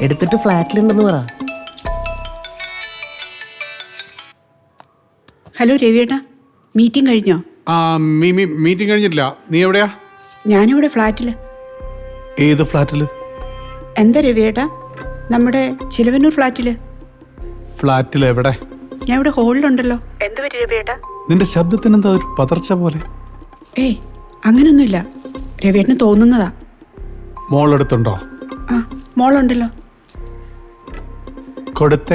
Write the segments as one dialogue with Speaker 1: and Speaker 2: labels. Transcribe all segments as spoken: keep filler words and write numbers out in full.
Speaker 1: എടുത്തിട്ട് ഫ്ലാറ്റിലുണ്ടെന്ന് പറ.
Speaker 2: Hello രവിയേട്ടാ, meeting കഴിഞ്ഞോ?
Speaker 3: ആ മീറ്റിംഗ് കഴിഞ്ഞിട്ടില്ല. നീ എവിടെയാ?
Speaker 2: ഞാനിവിടെ ഫ്ലാറ്റിൽ.
Speaker 3: ഏത് ഫ്ലാറ്റിൽ?
Speaker 2: എന്താ രവിയേട്ടാ? നമ്മുടെ ചിലവന്നൂർ ഫ്ലാറ്റിൽ.
Speaker 3: ഫ്ലാറ്റിൽ എവിടെ?
Speaker 2: ഞാൻ ഇവിടെ ഹോളിലുണ്ടല്ലോ. എന്ത് പറ്റി രവിയേട്ടാ?
Speaker 3: നിന്റെ ശബ്ദത്തിന് എന്താ ഒരു പതർച്ച പോലെ?
Speaker 2: ഏയ് അങ്ങനൊന്നുമില്ല, രവിയേട്ടന് തോന്നുന്നതാ.
Speaker 3: മോളെടുത്തുണ്ടോ?
Speaker 2: ആ മോളുണ്ടല്ലോ.
Speaker 3: കൊടുത്തേ.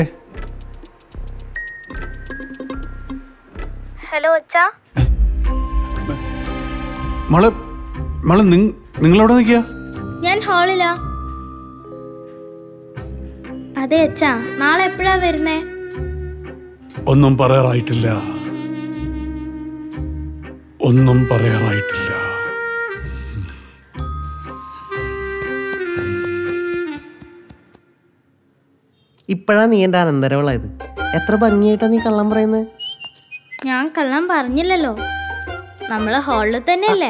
Speaker 4: ഹലോ അച്ഛാ.
Speaker 3: മോളെ മോളെ നിങ്ങളെവിടെ നിൽക്കുക?
Speaker 4: ഞാൻ ഹാളിലാ. അതെ അച്ഛാ, നാളെ എപ്പോഴാ വരുന്നേ?
Speaker 3: ഒന്നും പറയാറായിട്ടില്ല, ഒന്നും പറയാറായിട്ടില്ല.
Speaker 1: ഇപ്പോഴാ നീ എൻ്റെ അനന്തരവളായത്. എത്ര ഭംഗിയായിട്ടാ നീ കള്ളം പറയുന്നത്.
Speaker 4: ഞാൻ കള്ളം പറഞ്ഞില്ലല്ലോ, നമ്മള് ഹാളിൽ തന്നെയല്ലേ.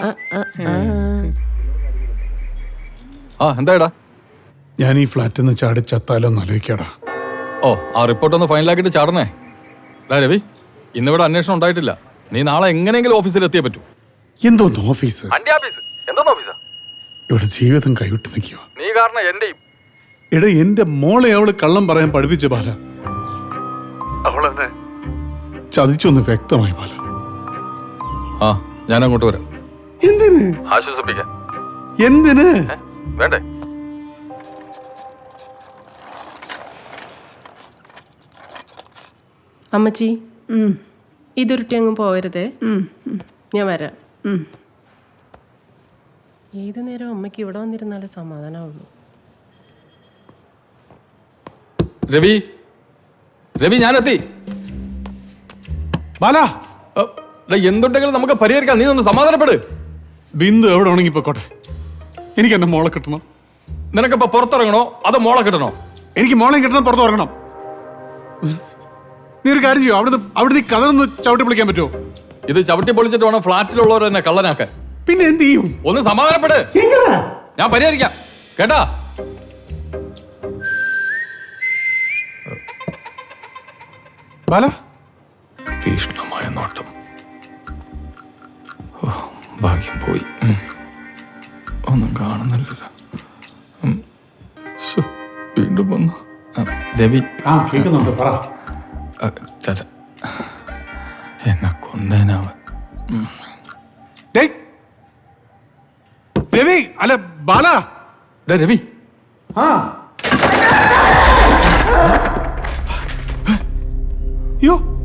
Speaker 5: ആ എന്താടാ?
Speaker 3: ഞാൻ ഈ ഫ്ലാറ്റിൽ നിന്ന് ചാടി ചത്താലോന്ന് ആലോചിക്കാടാ.
Speaker 5: ഓ, ആ റിപ്പോർട്ട് ഒന്ന് ഫൈനലാക്കിയിട്ട് ചാടണേ. ഡാ രവി, ഇന്നിവിടെ അന്വേഷണം ഉണ്ടായിട്ടില്ല. നീ നാളെ എങ്ങനെയെങ്കിലും ഓഫീസിൽ എത്തിയേ പറ്റൂ.
Speaker 3: എന്തോന്ന് ഓഫീസ്?
Speaker 5: എന്തോന്ന് ഓഫീസാ?
Speaker 3: ഇവിടെ ജീവിതം കൈവിട്ട് നിൽക്കുക.
Speaker 5: നീ കാരണം എന്റെയും.
Speaker 3: എടാ, എന്റെ മോളെ അവള് കള്ളം പറയാൻ പഠിപ്പിച്ച ബാല. അവളെന്നെ ചതിച്ചൊന്ന് വ്യക്തമായി ബാല.
Speaker 5: ആ, ഞാൻ അങ്ങോട്ട് വരാം.
Speaker 3: എന്തിന്?
Speaker 5: ആശ്വസിപ്പിക്കാൻ.
Speaker 3: എന്തിന്?
Speaker 5: വേണ്ടേ?
Speaker 6: അമ്മച്ചി, ഇതുരുട്ടി അങ്ങ് പോകരുതേ. ഞാൻ വരാം. ഏത് നേരം അമ്മയ്ക്ക് ഇവിടെ വന്നിരുന്നാലേ സമാധാനമുള്ളൂ.
Speaker 5: രവി, രവി ഞാനെത്തി.
Speaker 3: ബാല,
Speaker 5: എന്തുണ്ടെങ്കിലും നമുക്ക് പരിഹരിക്കാം. നീ ഒന്ന് സമാധാനപ്പെട്.
Speaker 3: ബിന്ദു എവിടെ ഉണങ്ങി പോയിക്കോട്ടെ. എനിക്ക് എന്റെ മോളെ കിട്ടണം.
Speaker 5: നിനക്കിപ്പോ പുറത്തിറങ്ങണോ അതോ മോളെ കിട്ടണോ?
Speaker 3: എനിക്ക് മോളെ കിട്ടണം, പുറത്ത് ഇറങ്ങണം. നീ ഒരു കാര്യം ചെയ്യോ, അവിടെ അവിടെ നീ കഥ ചവിട്ടി പൊളിക്കാൻ പറ്റുമോ?
Speaker 5: ഇത് ചവിട്ടി പൊളിച്ചിട്ട് വേണം ഫ്ലാറ്റിലുള്ളവർ തന്നെ കള്ളനാക്കാൻ.
Speaker 3: പിന്നെ എന്ത് ചെയ്യും?
Speaker 5: ഒന്ന് സമാധാനപ്പെട്, ഞാൻ പരിഹരിക്കാം കേട്ടാ.
Speaker 3: ബാല,
Speaker 5: തീഷ്ണമായ നോട്ടം. ഭാഗ്യം പോയി. ഒന്നും കാണുന്നില്ലല്ലോ. വീണ്ടും വന്നു. രവി,
Speaker 3: പറ.
Speaker 5: എന്നെ കൊന്നേനാവൻ.
Speaker 3: രവി, അല്ല ബാല.
Speaker 5: രവി,
Speaker 3: ആ യോ